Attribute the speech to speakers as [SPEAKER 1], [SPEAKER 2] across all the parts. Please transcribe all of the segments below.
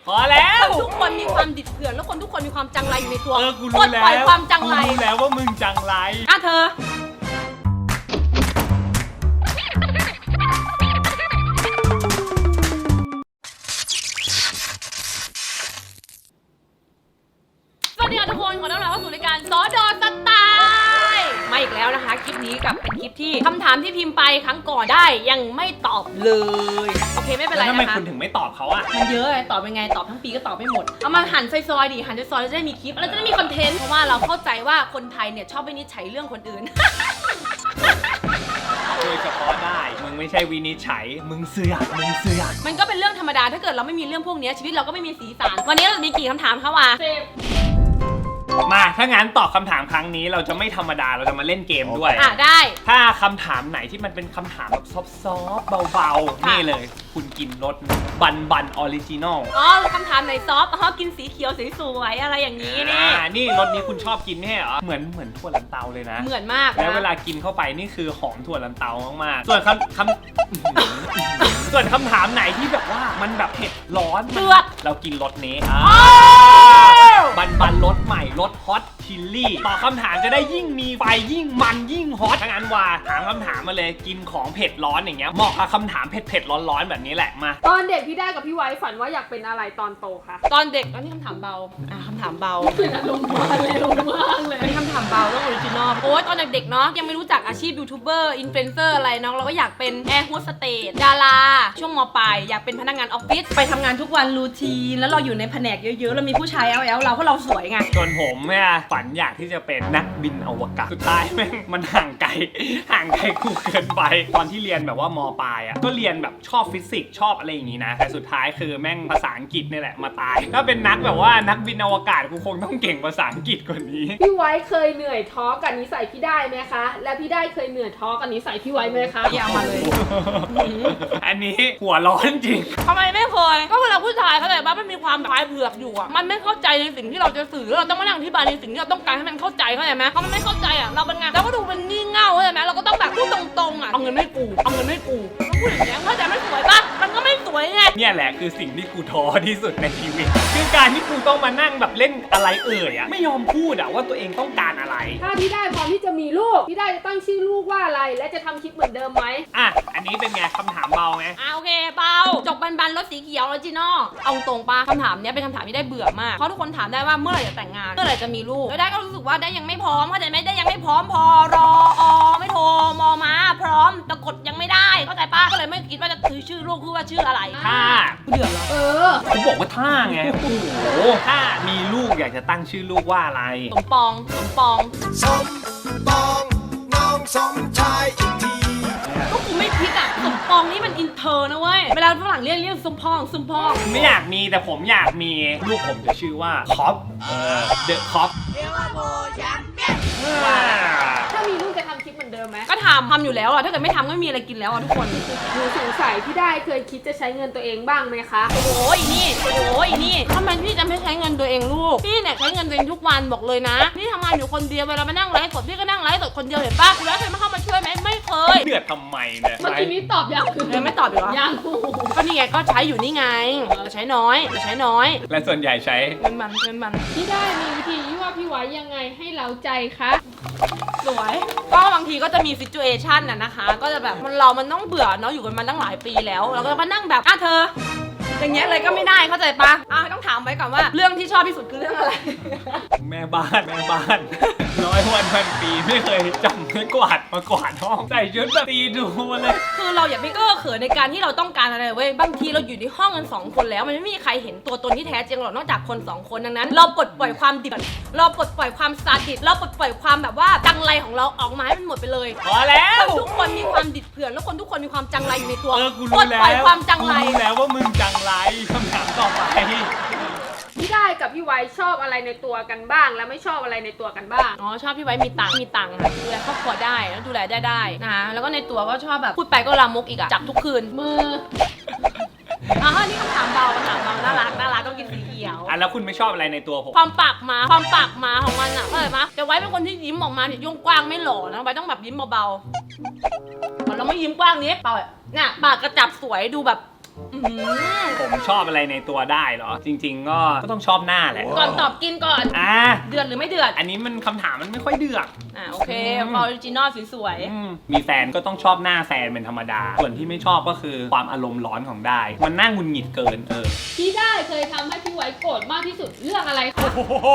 [SPEAKER 1] พอแล้ว
[SPEAKER 2] คนทุกคนมีความดิบเถื่อนแล้วคนทุกคนมีความจังไรอยู่ในตัว
[SPEAKER 1] กูรู้แล้ว
[SPEAKER 2] ปล่อยความจังไร
[SPEAKER 1] กูรู้แล้วว่ามึงจังไร
[SPEAKER 2] เธอสวัสดีค่ะทุกคนขอต้อนรับเข้าสู่รายการสดสไตล์มาอีกแล้วนะคะคลิปนี้กับเป็นคลิปที่คำถามที่พิมพ์ไปครั้งก่อนได้ยังไม่ตอบเลยโอเคไม่เป็นไรนะคะ
[SPEAKER 1] แล้วทำไมคุณถึงไม่ตอบเขาอะ
[SPEAKER 2] มันเยอะตอบยังไงตอบทั้งปีก็ตอบไม่หมดเอามาหั่นซอยๆดิหั่นซอยๆจะได้มีคลิปแล้วจะได้มีคอนเทนต์เพราะว่าเราเข้าใจว่าคนไทยเนี่ยชอบวินิจฉัยเรื่องคนอื่น
[SPEAKER 1] โดยเฉพาะได้มึงไม่ใช่วินิจฉัยมึงเสือก
[SPEAKER 2] มันก็เป็นเรื่องธรรมดาถ้าเกิดเราไม่มีเรื่องพวกนี้ชีวิตเราก็ไม่มีสีสันวันนี้เราจะมีกี่คำถามคะวะ
[SPEAKER 1] มาถ้างั้นตอบคำถามครั้งนี้เราจะไม่ธรรมดาเราจะมาเล่นเกมด้วย
[SPEAKER 2] ได้
[SPEAKER 1] ถ้าคำถามไหนที่มันเป็นคำถามแบบซอฟต์เบาๆนี่เลยคุณกินรสบันออริจินอล
[SPEAKER 2] คำถามไหนซอฟต์กินสีเขียวสวยๆอะไรอย่างนี้
[SPEAKER 1] นี่รสนี้คุณชอบกินไม่ใช่เหรอเหมือนถั่วลันเตาเลยนะ
[SPEAKER 2] เหมือนมาก
[SPEAKER 1] แล้วเวลากินเข้าไปนี่คือหอมถั่วลันเตามากๆส่วนส่วนคำถามไหนที่แบบว่ามันแบบเผ็ดร้อน
[SPEAKER 2] เดือด
[SPEAKER 1] เรากินรสนี้บันรสใหม่รสฮอตชิลลี่ตอบคำถามจะได้ยิ่งมีไฟยิ่งมันยิ่งฮอตทั้งนั้นว่าถามคำถามมาเลยกินของเผ็ดร้อนอย่างเงี้ยเหมาะกับคำถามเผ็ดร้อนแบบนี้แหละมา
[SPEAKER 3] ตอนเด็กพี่ได้กับพี่ไว้ฝันว่าอยากเป็นอะไรตอนโตคะ
[SPEAKER 2] ตอนเด็กนี่คำถามเบาคำถามเบา
[SPEAKER 3] ลงมาเร็วมากเลย
[SPEAKER 2] เป็นคำถามเบาต้องออริจินอลโอ้ยตอนเด็กๆเนาะยังไม่รู้จักอาชีพยูทูบเบอร์อินฟลูเอนเซอร์อะไรเนาะเราก็อยากเป็นแอร์โฮสเตสดาราช่วงม.ปลายอยากเป็นพนักงานออฟฟิศไปทำงานทุกวันรูทีนแล้วเราอยู่ในแผนกเยอะๆเรามีผู้ชายแอลเราเพราะเราสวยไง
[SPEAKER 1] ส่วนผมเนี่ยฝันอยากที่จะเป็นนักบินอวกาศสุดท้ายแม่งมันห่างไกลกูเกินไปตอนที่เรียนแบบว่าม.ปลายก็เรียนแบบชอบฟิสิกส์ชอบอะไรอย่างนี้นะแต่สุดท้ายคือแม่งภาษาอังกฤษนี่แหละมาตายถ้าเป็นนักแบบว่านักบินอวกาศกูคงต้องเก่งภาษาอังกฤษกว่านี้
[SPEAKER 3] พี่ไว้เคยเหนื่อยท้อกับนิสัยพี่ได้ไหมคะและพี่ได้เคยเหนื่อยท้อกับนิสัยพี่ไว้ไหมคะ
[SPEAKER 2] อย่ามาเลย
[SPEAKER 1] อันนี้หัวร้อนจริง
[SPEAKER 2] ทำไมไม่เคยก็เวลาผู้ชายเขาแต่ว่ามันมีความปลายเผือกอยู่มันไม่เข้าใจในสิ่งที่เราจะสื่อเราต้องมานั่งอธิบายในสิ่งที่เราต้องการให้มันเข้าใจเข้าใจไหมเขาไม่เข้าใจเราเป็นไงเราก็ดูเป็นงี่เง่าเข้าใจไหมเราก็ต้องแบบพูดตรงๆเอาเงินไม่กูต้องพูดอย่างนี้เข้าใจไม่สวยปะมันก็ไม่สวยไง
[SPEAKER 1] เนี่ยแหละคือสิ่งที่กูท้อที่สุดในชีวิตคือการที่กูต้องมานั่งแบบเล่นอะไรไม่ยอมพูดว่าตัวเองต้องการอะไร
[SPEAKER 3] ถ้าพี่ได้พร้อมที่จะมีลูกพี่ได้จะตั้งชื่อลูกว่าอะไรและจะทำคลิปเหมือนเดิมไหม
[SPEAKER 1] อันนี้เป็นไงคำถามเบาไง
[SPEAKER 2] โอเคเบาจกบันรถสีเขียวออริจินอลเอาตรงปะคำถามนี้เป็นคำถามที่ได้เบื่อมากเพราะทุกคนถามได้ว่าเมื่อไหร่จะแต่งงานเมื่อไหร่จะมีลูกแล้วได้ก็รู้สึกว่าได้ยังไม่พร้อมเข้าใจไหมได้ยังไม่พร้อมพอรอไม่โทรมอมาพร้อมแต่กดยังไม่ได้เข้าใจปะก็เลยไม่คิดว่าจะชื่อลูกคือว่าชื่ออะไร
[SPEAKER 1] ถ้า
[SPEAKER 2] เดือดแล้ว
[SPEAKER 1] เขาบอกว่าถ้าไงโอ้โหถ้ามีลูกอยากจะตั้งชื่อลูกว่าอะไร
[SPEAKER 2] สมปอง
[SPEAKER 4] น้องสมชายอีกที
[SPEAKER 2] ก็กูไม่คิดสมปองนี่มันอินเตอร์นะเว้ยเวลาฝรั่งเรียกสมพอง
[SPEAKER 1] ไม่อยากมีแต่ผมอยากมีลูกผมจะชื่อว่าคอปเดอะคอป
[SPEAKER 3] ถ้ามีลูกจะทำคลิปเหมือนเดิมไหม
[SPEAKER 2] ก็ทำอยู่แล้วถ้าเกิดไม่ทำก็ไม่มีอะไรกินแล้วทุกคน
[SPEAKER 3] หนูสงสัยพี่ได้เคยคิดจะใช้เงินตัวเองบ้างไหมคะ
[SPEAKER 2] โอ้ยนี่ทำไมพี่จะไม่ใช้เงินตัวเองลูกพี่เนี่ยใช้เงินตัวเองทุกวันบอกเลยนะพี่ทำงานอยู่คนเดียวเวลามานั่งไลฟ์สดพี่ก็นั่งไลฟ์สดคนเดียวเห็นป่ะแล้วเคยมาเข้ามาช่วยไหมไม่เคย
[SPEAKER 1] เดือดทำไมเนี่ย
[SPEAKER 3] เมื่อกี้นี้ตอบยัง
[SPEAKER 2] ไม่ตอบอยู่หรอ
[SPEAKER 3] ยัง
[SPEAKER 2] ก็นี่ไงก็ใช้อยู่นี่ไงใช้น้อย
[SPEAKER 1] และส่วนใหญ่ใช้
[SPEAKER 2] เงินมัน
[SPEAKER 3] พี่ได้มีวิธีว่าพี่ไว้ยังไงให้เราใจคะ
[SPEAKER 2] สวยก็บางทีก็จะมีซิจูเอชันนะคะก็จะแบบมันต้องเบื่อเนาะอยู่กันมาตั้งหลายปีแล้วเราก็มานั่งแบบเธออย่างเงี้ยเลยก็ไม่ได้เข้าใจปะต้องถามไว้ก่อนว่าเรื่องที่ชอบที่สุดคือเรื่องอะไร
[SPEAKER 1] แม่บ้านร้อยวันพันปีไม่เคยจำไม่กวาดมากวาดห้องใส่ชุดแบบตีดูมาเลย
[SPEAKER 2] คือเราอย่าไปเก้อเขินในการที่เราต้องการอะไรเว้ยบางทีเราอยู่ในห้องกัน2คนแล้วมันไม่มีใครเห็นตัวตนที่แท้จริงหรอกนอกจากคน2คนดังนั้นเราปลดปล่อยความดิบเราปลดปล่อยความซาดิสเราปลดปล่อยความแบบว่าจังไรของเราออกมาให้มันหมดไปเลย
[SPEAKER 1] พอแล้ว
[SPEAKER 2] ทุกคนมีความดิบเถื่อนแล้วคนทุกคนมีความจังไรอยู่ในตัว
[SPEAKER 1] ปลด
[SPEAKER 2] ปล่อยความจังไร
[SPEAKER 1] กูรู้แล้วว่ามึงจังไรคำถามต่อไป
[SPEAKER 3] พี่ได้กับพี่ไว้ชอบอะไรในตัวกันบ้างแล้วไม่ชอบอะไรในตัวกันบ้าง
[SPEAKER 2] ชอบพี่ไว้มีตังค์ดูแลครอบครัวได้แล้วดูแลได้นะคะแล้วก็ในตัวก็ชอบแบบพูดไปก็ลามกอีกจับทุกคืนมือนี่คำถามเบาน่ารักก็กินสีเขียว
[SPEAKER 1] แล้วคุณไม่ชอบอะไรในตัวผม
[SPEAKER 2] ความปากมาของมันเข้าใจไหมแต่ไว้เป็นคนที่ยิ้มออกมาเนี่ยย่งกว้างไม่หล่อนะไว้ต้องแบบยิ้มเบาๆเราไม่ยิ้มกว้างนี้เปล่าเนี่ยปากกระจับสวยดูแบบ
[SPEAKER 1] ผมชอบอะไรในตัวได้เหรอ จริง ๆ ก็ต้องชอบหน้าแหละ
[SPEAKER 2] ก่อนตอบกินก่อน เดือดหรือไม่เดือด
[SPEAKER 1] อันนี้มันคำถามมันไม่ค่อยเดือด
[SPEAKER 2] โอเคออริจินอลสวย
[SPEAKER 1] มีแฟนก็ต้องชอบหน้าแฟนเป็นธรรมดา ส่วนที่ไม่ชอบก็คือความอารมณ์ร้อนของได้ มันน่าหงุดหงิดเกิน
[SPEAKER 3] ที่ได้เคยทำให้พี่ไว้โกรธมากที่สุดเรื่องอะไรคะ
[SPEAKER 1] โอ้โห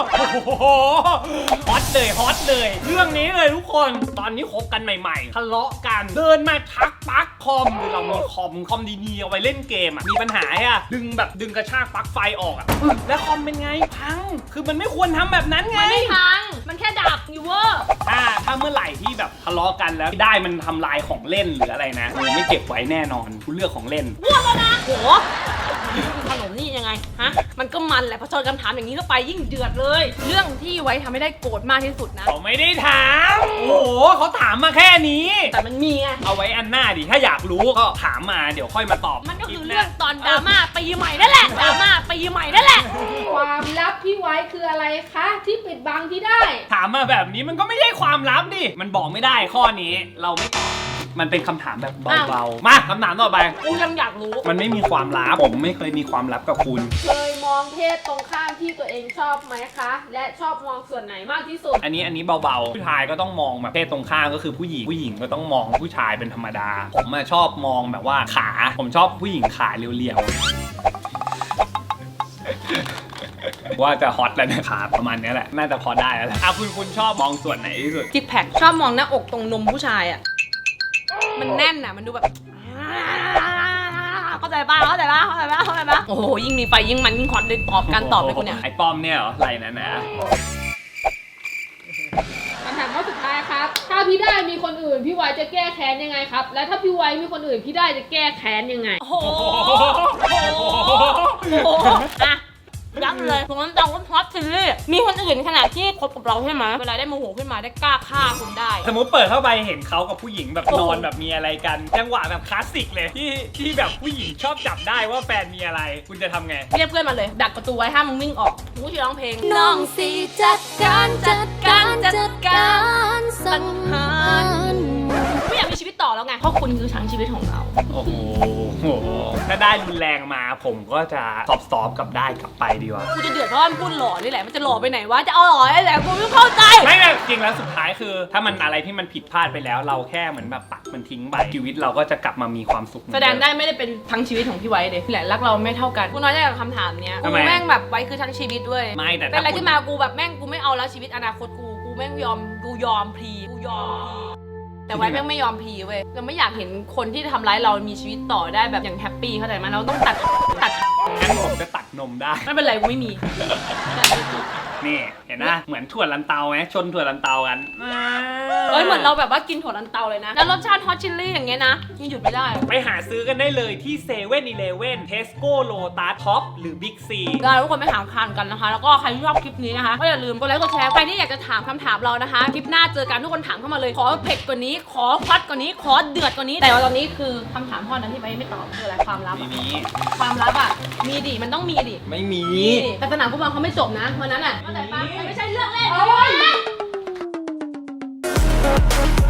[SPEAKER 1] ฮอตเลย เรื่องนี้เลยทุกคน ตอนนี้คบกันใหม่ๆทะเลาะกัน เดินมาชักปลั๊กคอมคือเรามีคอมดีๆเอาไว้เล่นเกมอ่ะ มีปัญหาอ่ะ ดึงกระชากปลั๊กไฟออกอ่ะ แล้วคอมเป็นไงพัง คือมันไม่ควรทำแบบนั้นไง
[SPEAKER 2] มันไม่พัง มันแค่ดับอยู่เวอร์
[SPEAKER 1] ถ้าเมื่อไหร่ที่แบบทะเลาะกันแล้วได้มันทำลายของเล่นหรืออะไรนะกูไม่เก็บไว้แน่นอนกูเลือกของเล่น
[SPEAKER 2] พูดแล้วนะโหขนมนี่ยังไงฮะมันก็มันแหละพอเจอคำถามอย่างนี้เข้าไปยิ่งเดือดเลย เรื่องที่ไว้ทำให้ได้โกรธมากที่สุดนะ
[SPEAKER 1] เขาไม่ได้ถาม โอ้โหเขาถามมาแค่นี้
[SPEAKER 2] แต่มันมีไง
[SPEAKER 1] เอาไว้อันหน้าดิถ้าอยากรู้ก็ถามมาเดี๋ยวค่อยมาตอบ
[SPEAKER 2] มันก็คือเรื่องตอนดราม่าปีใหม่นั่นแหละดราม่าปีใหม่นั่นแหละ
[SPEAKER 3] ความลับพี่ไว้คืออะไรคะที่ปิดบังที่ได้
[SPEAKER 1] ถามมาแบบนี้มันก็ไม่ใช่ความลับดิมันบอกไม่ได้ข้อนี้เราไม่ตอบมันเป็นคำถามแบบเบาๆมาคำถามต่อไป
[SPEAKER 2] กูยังอยากรู้
[SPEAKER 1] มันไม่มีความลับผมไม่เคยมีความลับกับคุณ
[SPEAKER 3] เคยมองเพศตรงข้ามที่ตัวเองชอบไหมคะ และชอบมองส่วนไหนมากที่สุด
[SPEAKER 1] อันนี้เบาๆผู้ชายก็ต้องมองแบบเพศตรงข้ามก็คือผู้หญิงก็ต้องมองผู้ชายเป็นธรรมดา ผมชอบมองแบบว่าขาผมชอบผู้หญิงขาเรียวๆว่าจะฮอตแล้วนะขาประมาณนี้แหละน่าจะพอได้แล้วแหละคุณชอบมองส่วนไหนที่สุด
[SPEAKER 2] ซิกแพคชอบมองหน้าอกตรงนมผู้ชายอ่ะ มันแน่นอ่ะ มันดูแบบ เข้าใจป่ะโอ้โห ยิ่งมีไฟยิ่งมันยิ่งคอนเลยตอบการตอบเลยคุณเนี่ย
[SPEAKER 1] ไอ้ป้อมเนี่ยเหรอไรนะ
[SPEAKER 3] คำถามข้อสุดท้ายครับ ถ้าพี่ได้มีคนอื่นพี่ไว้จะแก้แค้นยังไงครับ และถ้าพี่ไว้มีคนอื่นพี่ได้จะแก้แค้นยังไง
[SPEAKER 2] โอ้โหอ่ะยักเลยผมต้องฮอตซีรีส์มีคนอื่นขนาดที่คบกับเราใช่ไหมเวลาได้โมโหขึ้นมาได้กล้าฆ่าคุณได้
[SPEAKER 1] สมมติเปิดเข้าไปเห็นเขากับผู้หญิงแบบนอนแบบมีอะไรกันจังหวะแบบคลาสสิกเลยที่แบบผู้หญิงชอบจับได้ว่าแฟนมีอะไร คุณจะทำไง
[SPEAKER 2] เรียกเพื่อนมาเลย ดักประตูไว้ห้ามมึงวิ่งออกกูจะร้องเพลงน้องสีจัดการสังหารไม่อยากมีชีวิตต่อแล้วไงเพราะคุณคือทั้งชีวิตของเรา
[SPEAKER 1] โอ้โหถ้าได้รุนแรงมาผมก็จะซอฟกับได้กลับไปดีกว่า
[SPEAKER 2] กูจะเดือดร้อนพูดหล่อนี่แหละมันจะหล่อไปไหนวะจะเอาหล่อได้แหละกูไม่เข้าใจ
[SPEAKER 1] ไม่แบบจริงแล้วสุดท้ายคือ ถ้ามันอะไรที่มันผิดพลาดไปแล้ว เราแค่เหมือนแบบตัดมันทิ้งไปชีวิตเราก็จะกลับมามีความสุข
[SPEAKER 2] แสดงได้ไม่ได้เป็นทั้งชีวิตของพี่ไว้เด็แหละรักเราไม่เท่ากันกูน้อยใจกับคำถามเนี้ยกูแม่งแบบไว้คือทั้งชีวิตด้วย
[SPEAKER 1] ไม่แต่
[SPEAKER 2] เป็นอะไรขึ้นมากูแบบแม่งกูไม่เอาแล้วชีวิตอนาคตกูแม่งยอมพลีแต่ไว้แม่งไม่ยอมพลีเว้ยเราไม่อยากเห็นคนที่ทำร้ายเรามีชีวิตต่อได้แบบอย่างแฮปปี้เข้าใจไหมเราต้องตัด
[SPEAKER 1] งั้นผมจะตัดนมได้
[SPEAKER 2] ไม่เป็นไรกูไม่มี
[SPEAKER 1] นี่เห็นนะเหมือนถั่วลันเตาไหมชนถั่วลันเตากัน
[SPEAKER 2] เอ้ยเหมือนเราแบบว่ากินถั่วลันเตาเลยนะแล้วรสชาติฮอตชิลลี่อย่างเงี้ยนะยังหยุดไม่ได้
[SPEAKER 1] ไปหาซื้อกันได้เลยที่เซเว่นอีเลฟเว่นเทสโก้โลตัสท็อปหรือบิ๊กซี
[SPEAKER 2] ก็ทุกคนไปหาทานกันนะคะแล้วก็ใครที่ชอบคลิปนี้นะคะก็อย่าลืมกดไลค์กดแชร์ใครที่อยากจะถามคำถามเรานะคะคลิปหน้าเจอกันทุกคนถามเข้ามาเลยขอเผ็ดกว่านี้ขอฮอตกว่านี้ขอเดือดกว่านี้แต่ว่าตอนนี้คือคำถามข้อนั้นที่ไปไม่ตอบคืออะไรความลับ
[SPEAKER 1] ไม่
[SPEAKER 2] อะ
[SPEAKER 1] มี
[SPEAKER 2] ความลับอ่ะมีดิมันต้องมีดิ
[SPEAKER 1] ไม่มี
[SPEAKER 2] มีดิแต่สนามฟุตบอลเขาไม่จบนะวันนั้นอ่ะเข้าใจปะมันไม่ใช่เรื่องเล่น
[SPEAKER 3] โอ๊ย